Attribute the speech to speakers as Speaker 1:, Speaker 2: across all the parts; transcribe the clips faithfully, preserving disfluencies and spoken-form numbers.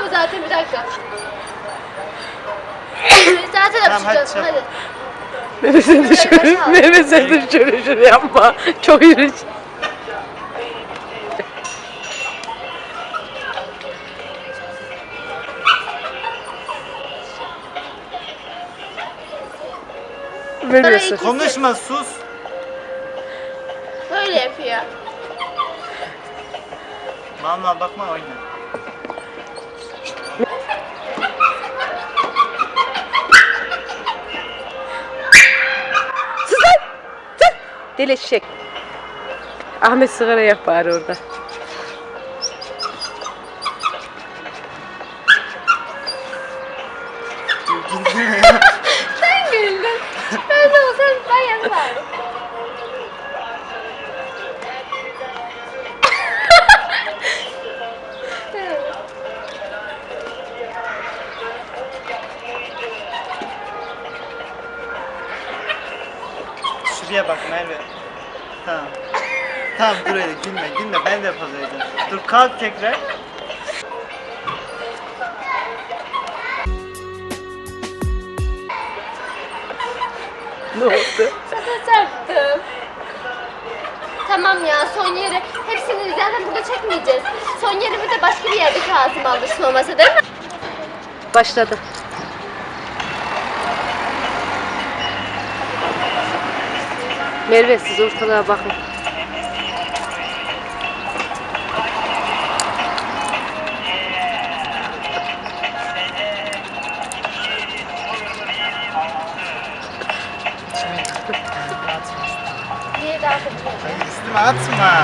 Speaker 1: zaten, bir dakika. Zaten
Speaker 2: Tamam, hadi
Speaker 1: yapacağız.
Speaker 2: çabuk.
Speaker 1: Hadi.
Speaker 3: Mehmet sen de şöyle, Mehmet sen de şöyle şöyle yapma. Çok yürü. Veriyorsun.
Speaker 2: Konuşma, sus.
Speaker 1: Böyle yapıyor.
Speaker 2: Mal mal bakma, oyna.
Speaker 3: Sus lan! Sus! Deli eşek. Ahmet sigara yak bari orada.
Speaker 1: Sen güldün. Ben de olsam ben yaparım.
Speaker 2: Şuraya bak Merve. Tamam. Tamam dur öyle, gülme gülme, ben de yapacağım. Dur kalk tekrar.
Speaker 3: Ne oldu?
Speaker 1: Şaka çarptım. Tamam ya, son yeri hepsini zaten burada çekmeyeceğiz. Son yerimi de başka bir yerde Kazım aldırsın olmasa, değil mi?
Speaker 3: Başladı. Merve siz ortalığa bakın.
Speaker 1: Niye daha çok
Speaker 2: Hayır, üstüme atma.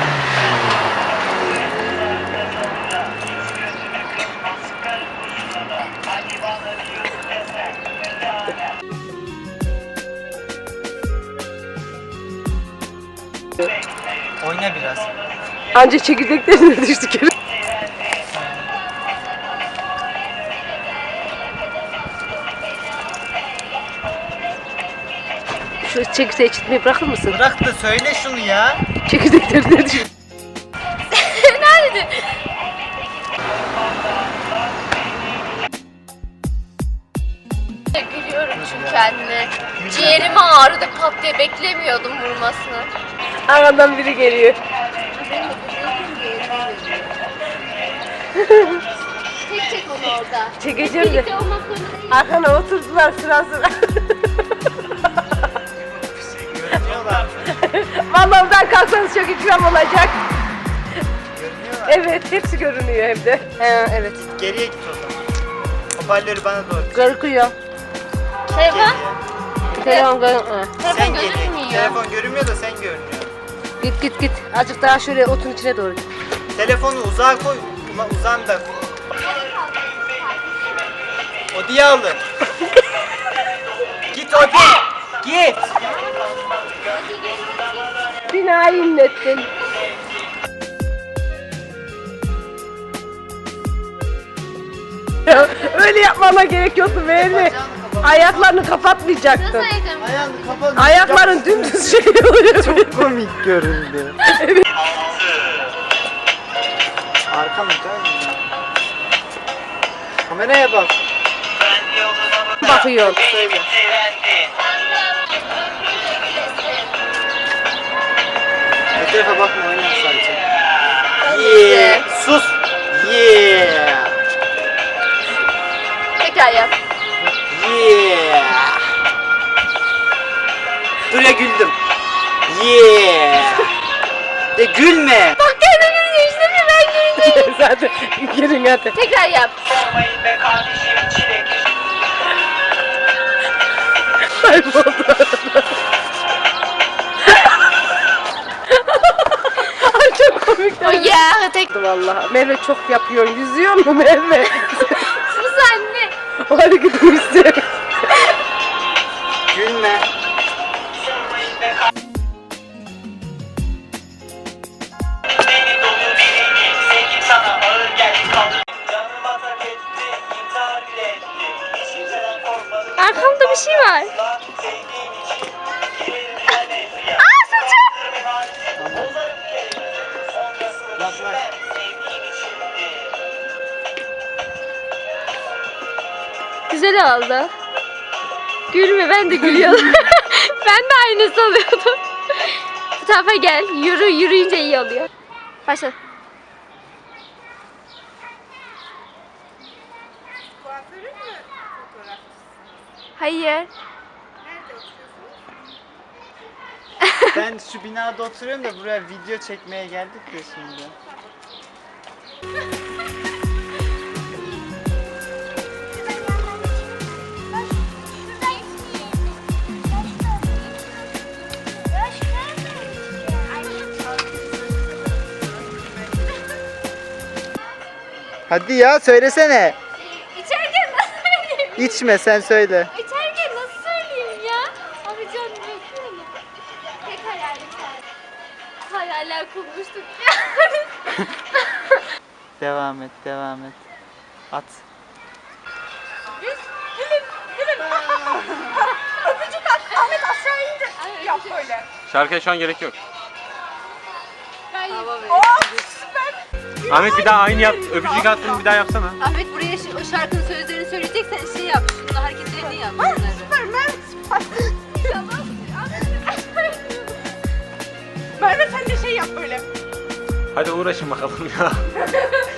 Speaker 2: Oyna biraz.
Speaker 3: Anca çekirdeklerine düştük. Şu çekirdeği çitmeyi bırakır mısın?
Speaker 2: Bırak da söyle şunu ya.
Speaker 3: Çekirdeklerine düştük.
Speaker 1: Nerede? Gülüyorum çünkü anne. Ciğerime ağrıdı pat diye, beklemiyordum vurmasını.
Speaker 3: Arkadan biri geliyor.
Speaker 1: Tek çek onu orada.
Speaker 3: Çekeceğim de.
Speaker 1: Birlikte olmak zorunda değil.
Speaker 3: Arkana oturdular sıra sıra.
Speaker 2: Görünüyorlar.
Speaker 3: Vallahi oradan kalksanız çok ikram olacak.
Speaker 2: Görünüyorlar.
Speaker 3: Evet, hepsi görünüyor hem de. He, evet.
Speaker 2: Geriye git o zaman. Hoparlörü bana doğru.
Speaker 3: Görüküyor.
Speaker 1: Telefon?
Speaker 3: Telefon görünüyor.
Speaker 1: Telefon
Speaker 2: Sen geriye.
Speaker 1: gözükmüyor.
Speaker 2: Telefon görünmüyor da sen görünüyor.
Speaker 3: Git git git. Azıcık daha şöyle otun içine doğru.
Speaker 2: Telefonu uzağa koy. Ulan uzağında. Odi'yi alın. Git Odi. Git.
Speaker 3: Binayı inlettin. Ya, öyle yapmana gerek yoktu Merve. Ayaklarını kapatmayacaktın.
Speaker 1: Nasıl ayaklarım?
Speaker 2: Ayağını kapat.
Speaker 3: Ayakların dümdüz şey oluyor.
Speaker 2: Çok komik göründü. Arka mı dön? Kameraya bak.
Speaker 3: Bakıyor.
Speaker 2: Söyle. Bu tarafa bakma, oyna sadece. Yeah. Sus. Yeah.
Speaker 1: Tekrar yap.
Speaker 2: Yeah. Dur ya, güldüm. Yeah. De gülme.
Speaker 1: Bak kendine gülüyor işte, bir ben güleceğim.
Speaker 3: Zaten girin hadi.
Speaker 1: Tekrar yap.
Speaker 3: Kayboldu. Ay çok komik.
Speaker 1: O ya tek.
Speaker 3: Vallahi Merve çok yapıyor. Yüzüyor mu Merve?
Speaker 1: Sus anne.
Speaker 3: O hareketini istiyorum.
Speaker 2: Gülme.
Speaker 1: Arkamda bir şey var. Aa, saçım.
Speaker 2: Yaklaş.
Speaker 1: Güzel oldu. Gülme, ben de gülüyorum. Ben de aynısı oluyordum. Bu tarafa gel. Yürü, yürüyünce iyi oluyor. Başla.
Speaker 3: Kuaförün mü fotoğraf?
Speaker 1: Hayır.
Speaker 3: Nerede oturuyorsunuz?
Speaker 2: Ben şu binada oturuyorum da buraya video çekmeye geldik de şimdi. Hadi ya söylesene.
Speaker 1: İçerken nasıl söyleyeyim?
Speaker 2: İçme sen söyle.
Speaker 1: İçerken nasıl söyleyeyim ya? Abi canım bekliyorum. Tek hayalim sen. Hayaller kurmuştuk.
Speaker 2: Devam et, devam et. At.
Speaker 3: Öpücük at. Ahmet aşağı indir. Yap böyle.
Speaker 4: Şarkıya şu an gerek yok.
Speaker 1: Ben
Speaker 3: Oo süper.
Speaker 4: Ahmet bir daha aynı yap. Öpücük attın bir daha yapsana.
Speaker 5: Ahmet buraya şi- o şarkının sözlerini söyleyeceksen şey yap. Şunun hareketlerini yap. bunları.
Speaker 3: Süper Merve süper. Merve sen de şey yap böyle.
Speaker 4: Hadi uğraşın bakalım ya.